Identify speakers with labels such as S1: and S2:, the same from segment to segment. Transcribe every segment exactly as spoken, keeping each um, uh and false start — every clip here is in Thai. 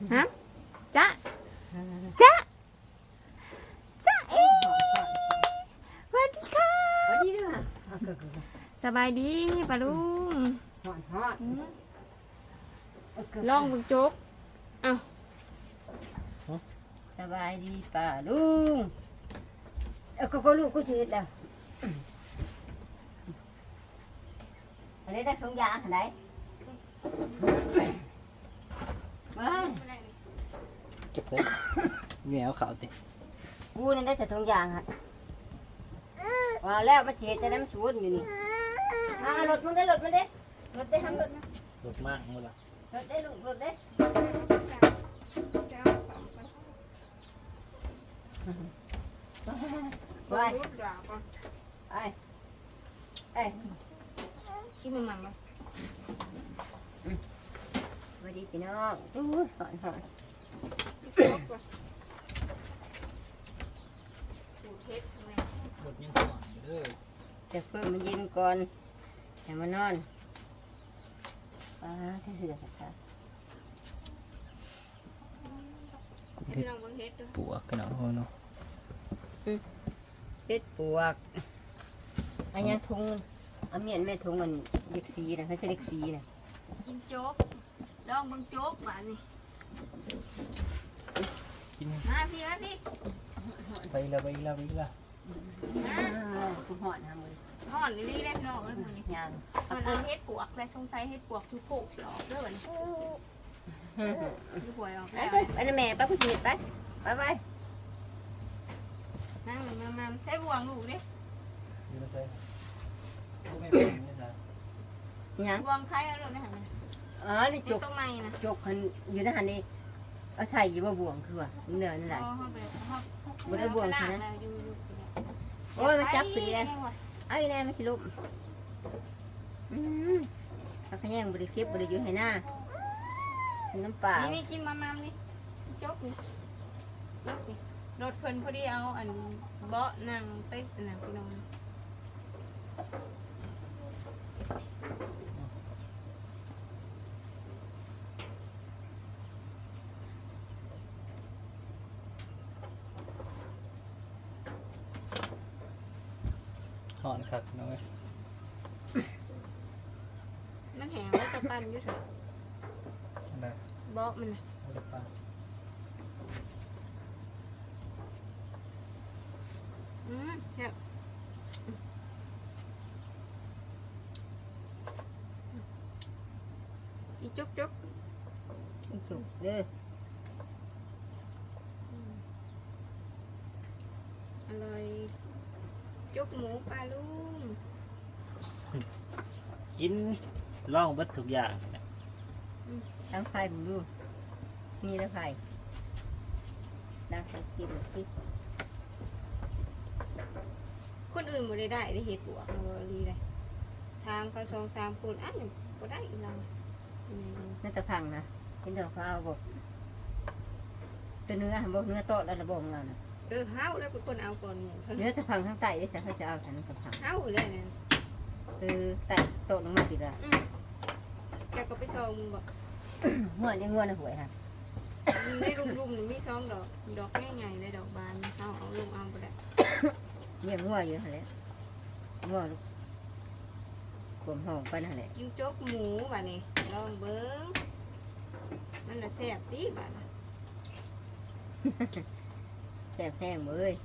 S1: ฮะจ๊ะจ๊ะจ๊ะเอ๊สวัสดีค่ะ
S2: สวัสดีเด้อ
S1: สบายดีปะลุง
S2: ฮอดฮอด
S1: ลองเบึงโจ๊กเอ้า
S2: สบายดีป่าลุงเอ้าก็ก็ลูกกูสิเฮ็ดแล้วอันนี้ได้สองอย่างอันไหนมา
S3: เก็บเลยเหนียวขาวติ
S2: กูนี่ได้แต่สองอย่างฮะว่าแล้วมาสิเฮ็ดจะได้มันชวนอยู่นี่มารถมันได้รถมันได้รถได้ทำรถนะ
S3: รสมากมั้งล่ะ
S2: รถได้ลูกรถได้ไปไปไป
S1: กินมันมันมา
S2: สวัสดีพี่น้องอู้หอนหอน
S1: สูตรเทสทำไม
S3: รสยังหวานอยู่เด้อ
S2: จะเพิ่มมันเย็นก่อนให้มันนอนอ่าใช่สิเดี๋ยวค่ะ
S3: กุ้งเท
S1: พี่
S3: ศ
S1: น้องเบิ่งเทสดู
S3: ปวกกันเอาะเนาะ
S2: เจ็ดปวกอันยังทุงเอาเมียนแม่ทุงมันเล็กสีนะเขาใช้เล็กสีนะ
S1: กินโจ๊กลองเบิ่งโจ๊กหวานนี่
S3: กิน
S1: มาพี่มาพี่
S3: ไปละไปละไปละ
S1: มา
S2: คุณหอดนะมือ
S1: ห่อนนี่ได้พี่น้องเอ้ยมื้อนี้
S2: ยัง
S1: มันเอาเฮ็ดปวกและสงสัยเฮ็ดปวกทุกโขกสิออกเด้อบัดนี้ดูหวยออก
S2: ไป
S1: แล้ว
S2: ไปไปนะแม่ไปคุณจีดไปไปไป
S1: นั่งมามาใส่บวงลูกดิ
S3: นี่มาใส่กูไม่เป็นนี่นะ
S2: ยัง
S1: บวงใครเอาลูกนะหั่นน่ะ
S2: อ๋อนี่
S1: ใน
S2: จก
S1: ต้นไม้นะ
S2: จกหันอยู่ในหันนี่เอาใส่อยู่บ่บ่วงคือว่าเนื้อนั่นแหละ
S1: อ๋อเฮาไปเฮา
S2: บ่ได้บวงใช่ไหม
S1: อยู่อยู่
S2: โอ้ยมันจับปีเลยเอาอีแน่ไม่คิดลุกอืมเอาขยังบริเก็บบริยุให้หน้าน้ำเปล่า
S1: นี่นี่กินมามามนี่จกนี่จกนี่รถเพิ่นพอดีเอาอันเบาะนั่งเต๊ะนั่นพี่น้อง
S3: หอนคักน้อย
S1: มันแห้งแล้วจะปั่นอยู่ซั่น
S3: อันนั้น
S1: เบาะมันน่ะ
S3: เอาไปปลา
S1: อืมแบบอีจุกจุก
S2: จุกเด้อ
S1: อร่อยจุกหมูปลาลุง
S3: กินล่องเบัดทุกอย่างนะ
S2: ตั้งไฟผมดูมีแล้วไฟดังไฟกินกิน
S1: คนอื่นบ่ได้ได้ได้เห็ดบวกบ่ดีเลยทางเขาสองสามคนอ้าวยังบ่ได้อีกแล้วอืม
S2: น่าจะพังนะกินเถอะเขาเอาบ่ตัวเนื้อบ่เนื้อโตแล้วระบบของเรานะ
S1: เออเฮาแล้วเป็นคนเอาก่อนหมู่เขา
S2: เนื้อจะพังทั้งไตได้สิเขาจะเอาฉันจะพัง
S1: เฮาเลยนั่น
S2: คือไตโตลงมาติดละ
S1: อืมแกก็ไปซองมึงบอก
S2: หัวนี่หัวนะหวยค่ะ
S1: ในรุมๆนี่มีซองดอกดอกง่ายๆเลยดอกบานเฮาเอาลงเอาบ่ได้
S2: เลี้ยงหัวอยู่หั่นแหละหัวลูกกลมห้องไปนั่นแหละ
S1: กินโจ๊กหมูบัดนี้ลองเบิ่งมันน่ะแซ่บติบัดน่ะ
S2: แซ่บแห้งเบ้ย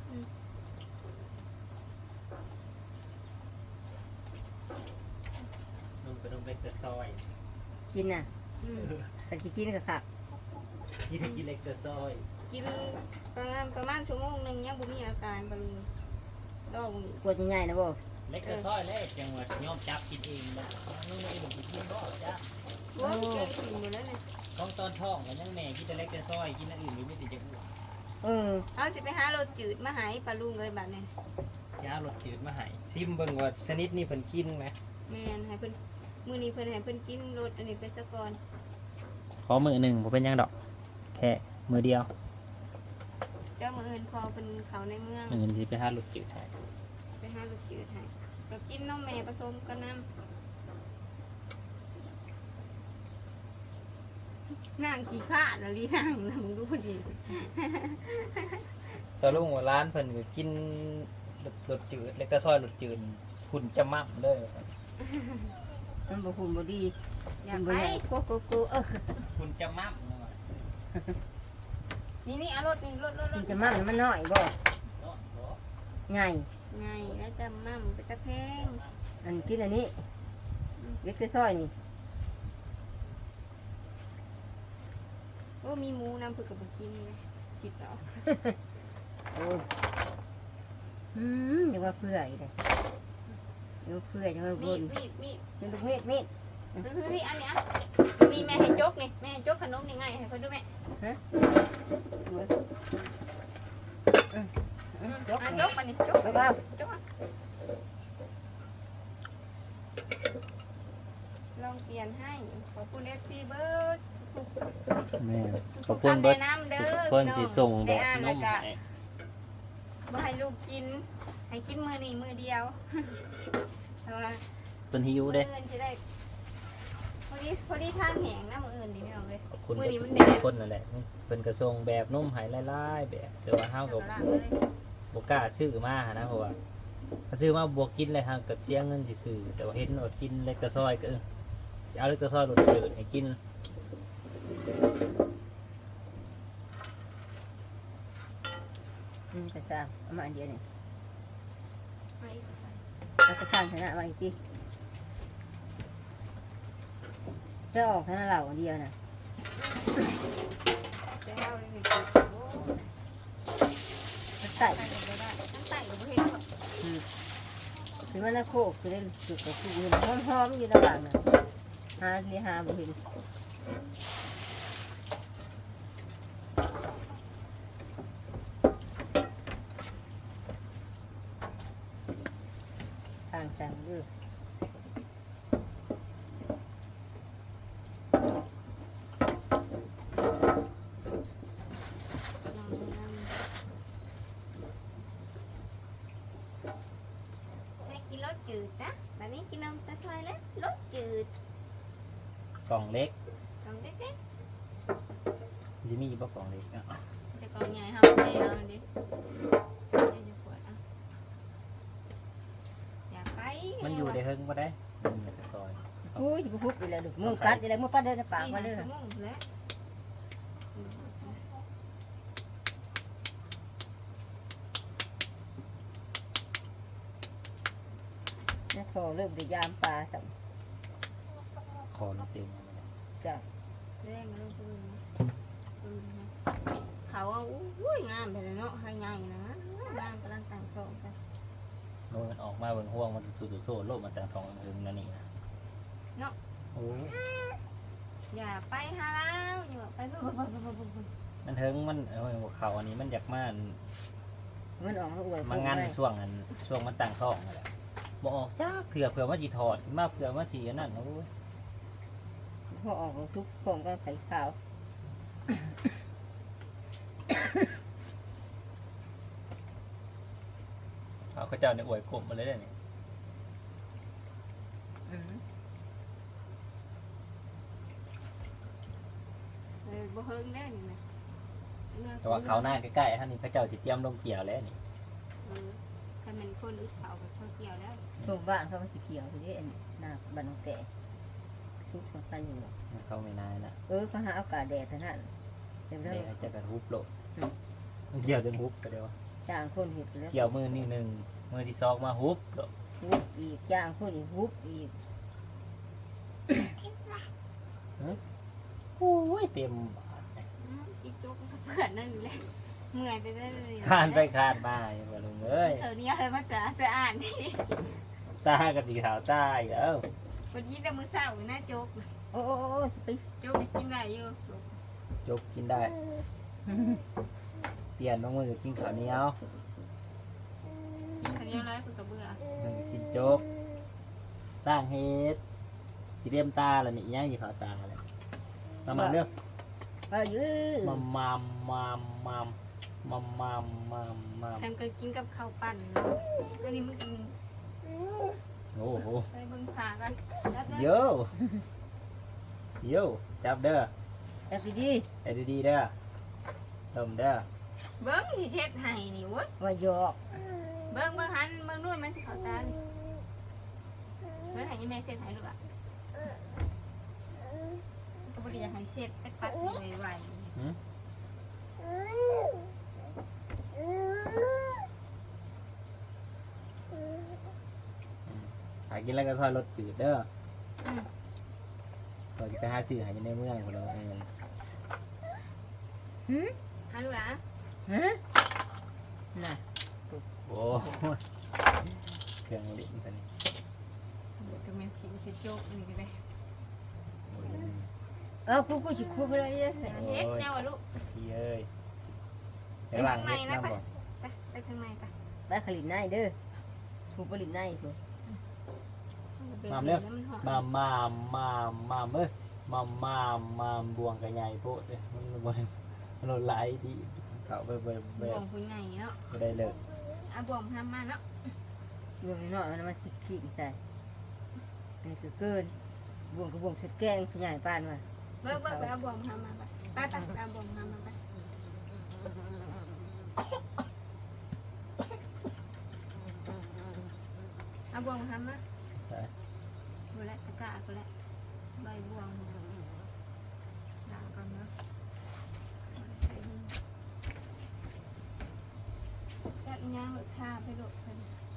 S3: ลงไปลงไปแต่ซอย
S2: กินน่ะ
S1: อืม
S2: แต่ที่กินก็ค่ะ
S3: กินกินเล็กแต่ซอย
S1: กินประมาณประมาณชั่วโมงหนึงยังบ่มีอาการบ่ลุงลอง
S2: กลัวจะใหญ่นะบ่
S3: เล็กแต่ซอยเล็กจังหวัดยอมจับกินเองนะนู่นนี่ผมกินบ่จ้ะ
S1: โอ้ยเก่งกินหมดแล้วเนี่ย
S3: ต้องตอนท้องกันยังแม่กินแต่เล็กแต่ซอยกินอันอื่นไม่ติดจะอ้วน
S2: เออ
S1: เอาสิไปหารถจืดมาใหายปลาลุงเลยบัดนี้
S3: ยารสจืดมาให้ซิมเบิ่งว่าชนิดนี้เพิ่นกินไหม
S1: แม่นให้เพิ่นมื้อนี้เพิ่นให้เพิ่นกินรถอันนี้ไปซะก่อน
S3: ขอมือหนึ่งผมเป็นยังดอกแค่มือเดียว
S1: เจ้ามื้ออื่นพอเพิ่นเข้าในเมือง
S3: เงินที่ไปหารสจืดให้
S1: ไปหารถจืดให้ก็กินนมแม่ผสมกับน้ำนั่งขี้ข้าแล้วลีนั่งนะมึงดูพอดี
S3: ตะลุงว่าร้านเพิ่นก็กินรสรสจืดเล็กตะซอยรสจืดหุ่นจะมั่มเลย
S2: มันบ่หุ่นบ่ดี
S1: อยา
S2: มั
S1: ก
S2: น
S1: ไป
S2: บ่ใหญ่โกโกโกเออ
S3: หุ่นจะมั่มนะว่ะ
S1: นี่นี่เอารถนี่รถรถร
S2: มัน
S1: ถ
S2: จะมั่งมันน้อยบ่
S3: เนาะเนาะ
S2: ใหญ่
S1: ไงแล้วจะมั่มไปตะแพง
S2: อันกินอันนี้เล็กแต่ซอยนี่
S1: โอ้มีหมูน้ำผึ้งกับบุกินเลยสิบแล้ว
S2: โอ้ยอืมอย่าว่าเพื่ออีกเลยอย่าว่าเพื่ออย่าว่าบ
S1: มี
S2: น
S1: ดมีดมีด
S2: เป็นลูกเม็ดเม็ด
S1: พี่พี่อันเนี้ยมีแม่ให้จกนี่แม่ให้จกขนมนี่ไงให้คนดูแม่
S2: ฮะเอาไว้อืมอืมยก
S1: อ่ะ
S2: นี่
S1: จกมานี่จก
S2: ยกเอา
S1: จกมาลองเปลี่ยนให้ขอบคุณเอฟซีเบิร์ดทุก
S3: แม่
S1: ขอบคุณเบิร์ดน้ำเด้อ
S3: คนที่ส่งด
S1: ได้
S3: อก
S1: อ่าน
S3: น
S1: แล้ว
S3: ม
S1: ก็
S3: ให้
S1: บ่ให้ลูกกิน ให้กินมือนี่มือเดียวเอาละ
S3: เพิ่นหิวเด้
S1: มื้ออื่นจะได้พอดีพอดีทางแหงนะมืออื่นดีไม่เอาเลย
S3: ขอบคุณ
S1: มือนี้
S3: ทุ
S1: มั
S3: ก
S1: นแดด
S3: คนนั่นแหละเพิ่นก็ส่งแบบนมให้หลายๆแบบแต่ว่าเฮาก็
S1: เอาละเลย
S3: บ่กล้าซื้อมาหั้นนะเพราะว่าถ้าซื้อมาบ่กินเลยเฮาก็เสียเงินสิซื้อแต่ว่าเห็นว่ากินเล็กตะซอยก็เออสิเอาเล็กตะซอยรสจืดให้กิน
S2: อืมกระซ่าเอามาอันเดียวนี่
S1: ไปอีกก่อน
S2: แล้วกระซ่าชนะมาอีกทีจะออกชนะเราอันเดียวน่ะ
S1: จะให้เอาเลยสิโอ้
S2: มันใส่
S1: ใส่ก็ได้ทั้งใส่กับประเภทแบบ
S2: คือมันน่ะโคกคือได้สุดกับคือเห็นหอมๆอยู่ระหว่างน่ะหาที่หาบ่เห็นต่างสั่งเด้อ
S1: ให้กินรสจืดนะแบบนี้กินนมตะซอยแล้วรสจืด
S3: กล่องเล็ก
S1: กล่องเล็ก
S3: สิมีอยู่บ่กล่องเล็กอ่ะ
S1: ๆแต่กล่องใหญ่ห้ามเทเอาดิเดี๋ยวจะปวดอ่ะอย่าไป
S3: มันอยู่ได้เฮิงบ่ได้มันอยู่ในซอย
S2: อุ้ยบุบอีแล้วลูกมือปัดอีแล้วมือปัดเดินในปาก
S1: สี่
S2: มา
S1: ห้า
S2: เลย
S1: ชั่วโมงแล้ว
S2: นะพอเริ่มได้ยามปลาสัม
S3: คอมันเต็มแล้วเนี่ย
S2: จ้ะ
S1: แรงลงไปเลยนะอืมนะเขาว่าอุ้ยงามไปเลยเนาะให้ใหญ่นะงามกำลังแต่งโครงกัน
S3: โอ้ยมันออกมาเบิ่งห่วงมันสูดโซ่โลกมันแต่งทองเฮิงนั่นนี่นะ
S1: เนาะ
S3: โอ้ย
S1: อย่าไปหาแล้วอย่าไปปุ๊บปุ๊บปุ๊บปุ๊บปุ๊บ
S3: มันเฮิงมันเอ้ยหัวเข่าอันนี้มันอยากมา
S2: มันออกมาอวย
S3: มางันช่วงอันช่วงมันตั้งท้องนั่นแหละบ่ออกจ้าเถื่อเผื่อว่าสิถอดมาเผื่อว่าสิอันนั้นโอ้ย
S2: พอออกทุกพร้อมกันไข่ขาว
S3: เอาเขาเจ้าเนี่ยอวยกลมมาเลยเนี่ย
S2: อืม
S1: เออบ่เฮิงได้นี่นะ
S3: แต่ว่าเขาหน้าใกล้ๆท่านนี่เขาเจ้าสิเตรียมลงเกี่ยวแล้วนี่
S1: เออถ้ามันคนอึดเขากับเขาเกี่ยวแล้ว
S2: ตรงบ้านเขาก็สีเขียวทีนี้อันหน้าบ้านน้องแก่ซุกสำคัญอยู่
S3: เขาไม่นายนะ
S2: เออเขาหาอากาศแดดเท่านั้นเดี๋ยว
S3: เดี๋
S2: เรา
S3: ยวเขาจะกระทุบโลกเกี่ยวจนฮุบไปเดียว
S2: จ้างคนเห็ดแล้ว
S3: เกี่ยวมือนี่หนึ่งมือที่สองมาฮุบโลก
S2: วุบอีกจ้างคนอีกวุบอีก
S3: โอ้ยเต็มบาทเลย
S1: อืมอีกจุกก็เพื่อนนั่นแหละเมื่อยไปได้เลย
S3: คานไปคานมาอย่างว่าลุงเอ้ย
S1: เธอเนี่ยอะไรมาจะจะอ่านดิ
S3: ตากับสีขาวตาอีกแล้ว
S1: วันนี้แต่มือเศร้าหน้าจุก
S2: โอ้โอ้โอ้ไป
S1: จุกกินอะไรอยู่
S3: จกกินได้ เปลี่ยนบางมือก็กินข้าวเหนียว
S1: กินคนเดียวเลยเพื่อกระเบื่อ
S3: มันก็กินโจ๊กตั้งเฮ็ดสีเรียมตาแล้วนี่อีหยังสีขาวตาเลยมามาเด้อ
S2: เอายื้อ
S3: มัมมัมมัมมัมมัมมัมมัมมัม
S1: ทำก็กินกับข้าวปั่นอันนี้มันกิน
S3: โอ้โห
S1: ไปเบิ่งขากัน
S3: โยโยจับเด้อ
S2: แต่พี่ดี
S3: ไอ้ดีๆเด้อลมเด้อ
S1: เบิ้งที่เช็ดให้นี่เว้ย
S2: ว่าหยอก
S1: เบิ้งเบิ้งหันเบิ้งนู่นมันสิเขาตานี่เบิ้งให้ยี่แม่เช็ดให้ลูกอ่ะก็บ่ได้อยากให้เช็ดไปปัดไว
S3: หืมหากินแล้วก็ซอยรถจืดเด้อ
S1: ๆอืม
S3: เราจะไปหาซื้อหาอยู่ในเมืองคนเราเอง
S2: หืม
S1: หันลูกอ่ะ
S2: ฮะน่ะ
S3: โอ้ยเครื่องลิ้นไปนี่
S1: เดี๋ยวก็แม่นสิสิโจกนี่ก็ได้
S3: โอ้ย
S2: เอากูกูสิคุบอะไรเนี่ย
S1: เฮ็ดแนวอ่ะลูก
S3: พี่เอ้ยไปหลังเฮ็ดน้ำบ่
S1: ไปไปทางไหนไป
S2: ไปผลิตในเด้อกูผลิตในกู
S3: มามเร็ว
S1: มันหอม
S3: มามามมามมามเอ้ยมามมามมามบวงกระใหญ่โพดเลยมันบ่มันไหลดีเขาไปไปไป
S1: บ่วงผู้ใหญ่เนาะ
S3: ไปได้เลย
S1: เอาบ่วงห้ามมาเนาะ
S2: บวงน้อยมันมาสิขี้ใส่นี่คือเกินบวงกับบวงสุดแกงขยายปานมา
S1: เบิ่งเบิ่งไปเอาบ่วงห้ามมาไปไปไปไปเอาบ่วงห้ามมาไปเอาบ่วงห้ามมา
S3: ใช่
S1: บ่แล้วตะกร้าก็แล้วใบบ่วงล้างก่อนเนาะจักอีหยังลูกทาไปลูกเพิ่น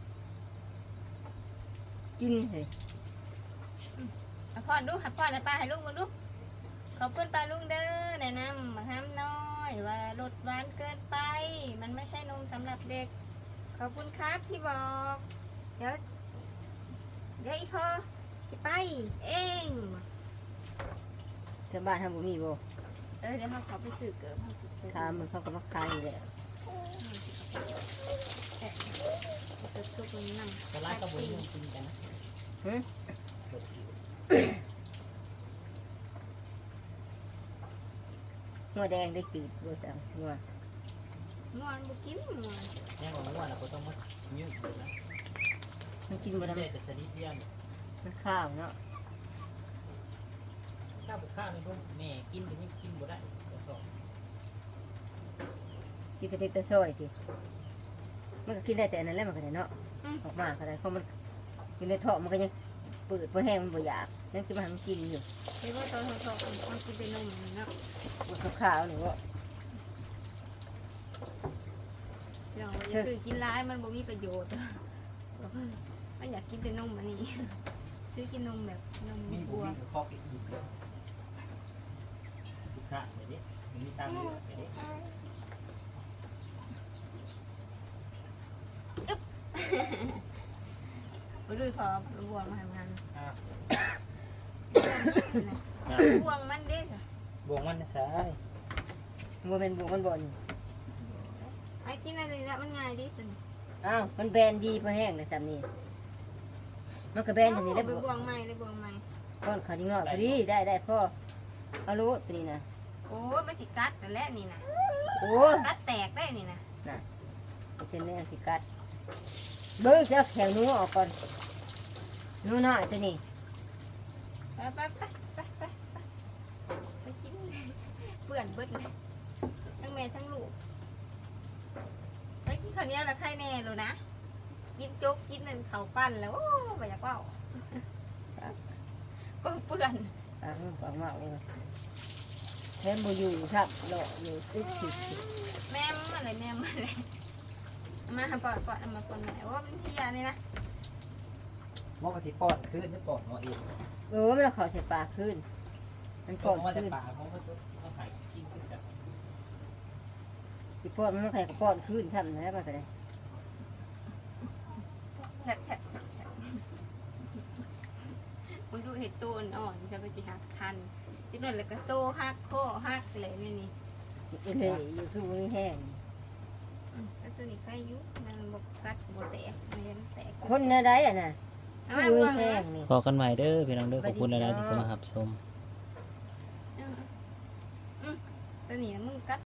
S2: กินเลย
S1: เอาพ่อดูหักพ่อแล้วป้าให้ลุงมาดูขอบคุณป้าลุงเด้อแนะนำมาห้ามน้อยว่ารสหวานเกินไป มันไม่ใช่นมสำหรับเด็ก ขอบคุณครับที่บอก เดี๋ยวเดี๋ยวอีพ่อจะไปเอง
S2: ชาวบ้านทำบุมีบ่
S1: เออเดี๋ยวเขาขอไปสื่อเกิดเขาสื่อเกิด
S2: ถามมันเขาก็มาขายอยู่แล้ว
S1: เกิดซุปนี้นั่ง
S3: ก็ร้านกระบุนกินกันนะ
S2: หึงัวแดงได้จืดบ่สั่งงัว
S1: นอนบุกินนอน
S3: แน่นอนว่าเราก็ต้องมายืดนะ
S2: มันกินบ่ได้
S3: เด็กจะชนิดเดียว
S2: มันข้าวเนาะ
S3: ข้าวบุกข้าวนี่พวกแม่กินถึงนี่กินบ่ได้สอง
S2: กินกระติกตะซอยสิมันก็กินได้แต่อันนั้นแหละมันก็ได้เนาะออกมาก็ได้เพราะมันกินในท้องมันก็ยังเปิดบ่แห้งมันบ่อยากยังสิมาให้มันกินอยู่
S1: เห็นว่าตอนเขาชอบมันกินเป็นนมเนาะ
S2: มันข้าวๆนี่ว่า
S1: เดี๋ยวอย่าซื้อกินร้ายมันบ่มีประโยชน์มันอยากกินแต่นมอันนี้ ซื้อกินนมแบบนม
S3: มีบุ
S1: บัว
S3: มีกับข้อกินอีกบุกข้าวเดี๋ยวนี้มันมีตังค์อยู่เดี๋ยวนี้
S1: ไปดูพอบัวมาทำงาน
S3: อ่า
S1: บวงมันเด้ค่ะ
S3: บวงมันนะสาย
S2: บ่แม่นบุกมันบ่น
S1: ไอ้กินอะไรละมันง่ายดิสุด
S2: อ้าวมันแบนดีบ่แห้งเลยซ้ำนี่มันก็แบนอันนี้แหล้ว
S1: ไปบวงใหม่เลยบวงใหม่
S2: ก้อนขาวนิดหน่อยพอดีได้ได้พ่อเอาโลดตัวนี้นะ
S1: โอ้ยมันจิกัดแต่แรกนี่นะ
S2: โอ้ย
S1: กัดแตกได้นี่นะ
S2: เต็มแม่สิกัดเบิ้งจะแถวหนู้ออกก่อนหนู้น้อยตัวนี้
S1: ไปไปไปไปไปไปไปกินเปื่อนเบิดเลยทั้งแม่ทั้งลูกไปกินข้าวเหนียวละไข่แน่เลยนะกินโจ๊กกินนั่นข้าวปั้นแล้วโอ้ไม่อยากเว่าก็เปื่อน
S2: ปากมันปากมากเลยแม่บูอยู่ครับเลาะอยู่ตึ๊ดตึ๊ดตึ๊ด
S1: แม่มอะไรแม่มอะไรเอามาปอดปอดเอามาปอดแม่ว่าเป็นที่ยานี่นะ
S3: มอกกะทิปอดขึ้นไม่ปอดหมออีก
S2: เออมันเอาเขอใส่ปากขึ้น มันป
S3: ปอ
S2: อ
S3: ด
S2: ด
S3: มาแต่
S2: ขึ้น
S3: ปากเขาก็เขาหายกินขึ้นจาก
S2: สิปอดมันไม่ใครก็ปอดขึ้นทำนะมันก็ได้
S1: แฉบแฉบแฉบแฉบมึงดูเห็ดตัวอ่อนจะไปจีหักทันที่นั่นแล้วก็โตหักข้อหักอะไรนี่นี่
S2: เลยอยู่คือมันแห้ง
S1: อืมแล้วตัวนี้ใครยุมันบกกัดบกแตกมันยังแตก
S2: คนอะไรอ่ะน่ะ
S1: เอา
S2: คือ
S1: ไว้
S2: มัน
S1: วาง
S2: แห้
S1: ไว้
S2: งนี่
S3: พอกันใหม่เด้อพี่น้องเด้อขอบคุณอะไรที่เข้ามาหับชม
S1: อืมอืมตัวนี้มึงกัด